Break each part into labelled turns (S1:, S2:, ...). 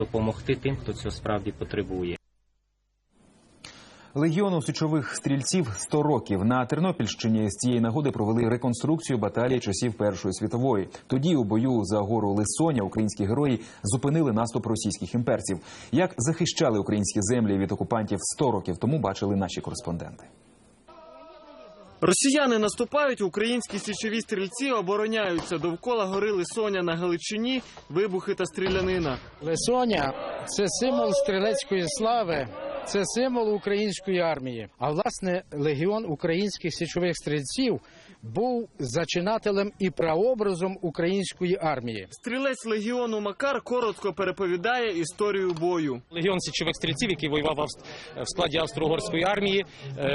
S1: допомогти тим, хто цього справді потребує.
S2: Легіону січових стрільців 100 років. На Тернопільщині з цієї нагоди провели реконструкцію баталії часів Першої світової. Тоді у бою за гору Лисоня українські герої зупинили наступ російських імперців. Як захищали українські землі від окупантів 100 років тому, бачили наші кореспонденти.
S3: Росіяни наступають, українські січові стрільці обороняються. Довкола гори Лисоня на Галичині вибухи та стрілянина.
S4: Лисоня – це символ стрілецької слави, це символ української армії. А власне легіон українських січових стрільців був зачинателем і прообразом української армії.
S3: Стрілець легіону Макар коротко переповідає історію бою.
S5: Легіон січових стрільців, який воював в складі Австро-Угорської армії,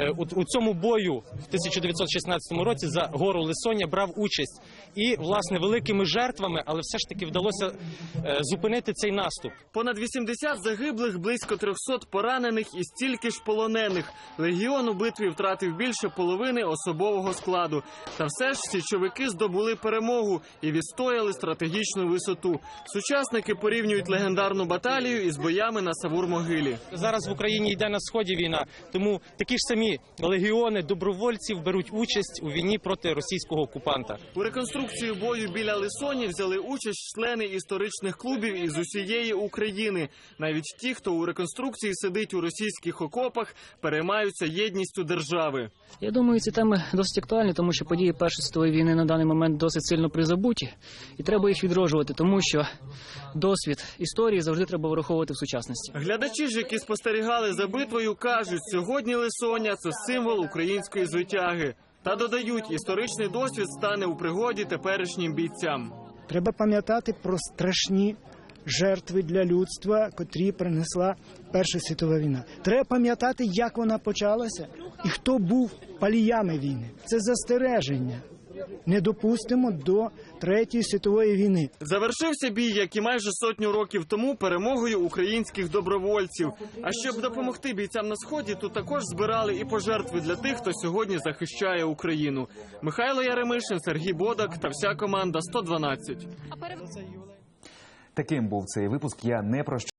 S5: у цьому бою в 1916 році за гору Лисоня брав участь. І, власне, великими жертвами, але все ж таки вдалося зупинити цей наступ.
S3: Понад 80 загиблих, близько 300 поранених і стільки ж полонених. Легіон у битві втратив більше половини особового складу. Та все ж січовики здобули перемогу і відстояли стратегічну висоту. Сучасники порівнюють легендарну баталію із боями на Савур-могилі.
S5: Зараз в Україні йде на сході війна, тому такі ж самі легіони добровольців беруть участь у війні проти російського окупанта.
S3: У реконструкцію бою біля Лисоні взяли участь члени історичних клубів із усієї України. Навіть ті, хто у реконструкції сидить у російських окопах, переймаються єдністю держави.
S6: Я думаю, ці теми досить актуальні, тому що події Першої світової війни на даний момент досить сильно призабуті. І треба їх відроджувати, тому що досвід історії завжди треба враховувати в сучасності.
S3: Глядачі ж, які спостерігали за битвою, кажуть, сьогодні Лисоня – це символ української звитяги. Та додають, історичний досвід стане у пригоді теперішнім бійцям.
S7: Треба пам'ятати про страшні жертви для людства, котрі принесла Перша світова війна. Треба пам'ятати, як вона почалася і хто був паліями війни. Це застереження. Не допустимо до Третьої світової війни.
S3: Завершився бій, як і майже сотню років тому, перемогою українських добровольців. А щоб допомогти бійцям на Сході, тут також збирали і пожертви для тих, хто сьогодні захищає Україну. Михайло Яремишин, Сергій Бодак та вся команда 112.
S2: Таким був цей випуск. Я не прощаюся.